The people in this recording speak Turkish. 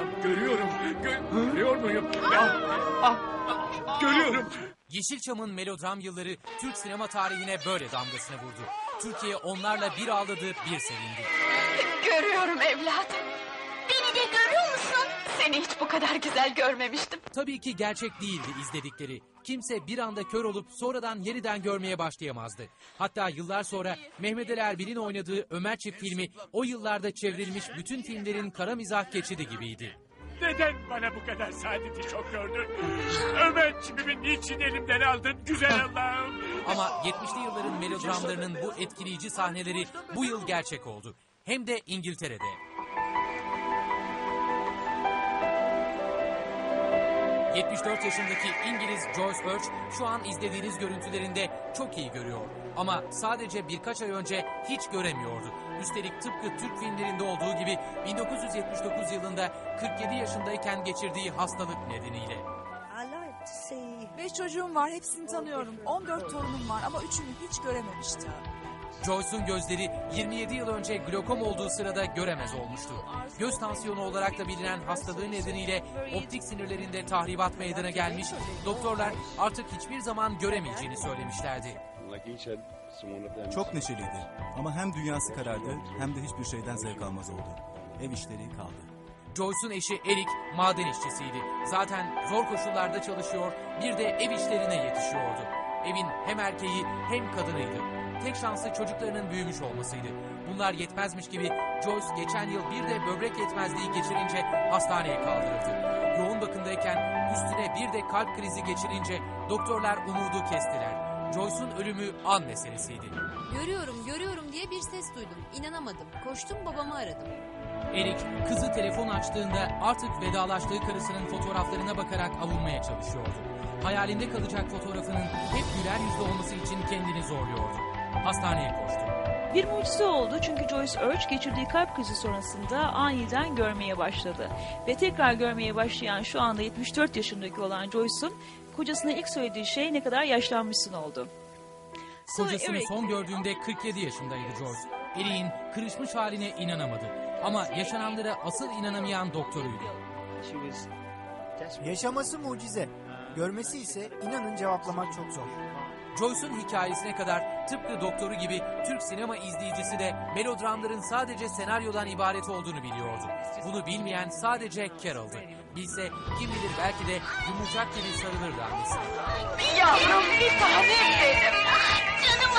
Görüyorum. Görüyor muyum? Görüyorum. Yeşilçam'ın melodram yılları Türk sinema tarihine böyle damgasını vurdu. Türkiye onlarla bir ağladı, bir sevindi. Görüyorum evladım. Beni de görüyor musun? Seni hiç bu kadar güzel görmemiştim. Tabii ki gerçek değildi izledikleri. Kimse bir anda kör olup sonradan yeniden görmeye başlayamazdı. Hatta yıllar sonra Mehmet Ali Erbil'in oynadığı Ömer Çift filmi o yıllarda çevrilmiş bütün filmlerin kara mizah geçidi gibiydi. Neden bana bu kadar saadeti çok gördün? Ömer çipimi niçin elimden aldın güzel Allah'ım? Ama 70'li yılların melodramlarının bu etkileyici sahneleri bu yıl gerçek oldu. Hem de İngiltere'de. ...74 yaşındaki İngiliz Joyce Birch şu an izlediğiniz görüntülerinde çok iyi görüyor. Ama sadece birkaç ay önce hiç göremiyordu. Üstelik tıpkı Türk filmlerinde olduğu gibi 1979 yılında 47 yaşındayken geçirdiği hastalık nedeniyle. 5 çocuğum var, hepsini tanıyorum. 14 torunum var ama üçünü hiç görememiştim. Joyce'un gözleri 27 yıl önce glokom olduğu sırada göremez olmuştu. Göz tansiyonu olarak da bilinen hastalığı nedeniyle optik sinirlerinde tahribat meydana gelmiş, doktorlar artık hiçbir zaman göremeyeceğini söylemişlerdi. Çok neşeliydi ama hem dünyası karardı hem de hiçbir şeyden zevk almaz oldu. Ev işleri kaldı. Joyce'un eşi Eric maden işçisiydi. Zaten zor koşullarda çalışıyor, bir de ev işlerine yetişiyordu. Evin hem erkeği hem kadınıydı. Tek şansı çocuklarının büyümüş olmasıydı. Bunlar yetmezmiş gibi Joyce geçen yıl bir de böbrek yetmezliği geçirince hastaneye kaldırıldı. Yoğun bakımdayken üstüne bir de kalp krizi geçirince doktorlar umudu kestiler. Joyce'un ölümü an meselesiydi. Görüyorum diye bir ses duydum. İnanamadım. Koştum babamı aradım. Eric kızı telefon açtığında artık vedalaştığı karısının fotoğraflarına bakarak avunmaya çalışıyordu. Hayalinde kalacak fotoğrafının hep güler yüzlü olması için kendini zorluyordu. Hastaneye koştu. Bir mucize oldu çünkü Joyce Birch geçirdiği kalp krizi sonrasında aniden görmeye başladı. Ve tekrar görmeye başlayan şu anda 74 yaşındaki olan Joyce'un kocasına ilk söylediği şey ne kadar yaşlanmışsın oldu. Kocasını son gördüğünde 47 yaşındaydı Joyce. Eric'in kırışmış haline inanamadı. Ama yaşananlara asıl inanamayan doktoruydu. Yaşaması mucize. Görmesi ise inanın cevaplamak çok zor. Joyce'un hikayesine kadar tıpkı doktoru gibi Türk sinema izleyicisi de melodramların sadece senaryodan ibaret olduğunu biliyordu. Bunu bilmeyen sadece Carol'dı. Bilse kim bilir belki de yumurcak gibi sarılırdı annesine. Yavrum bir tanem benim. Canım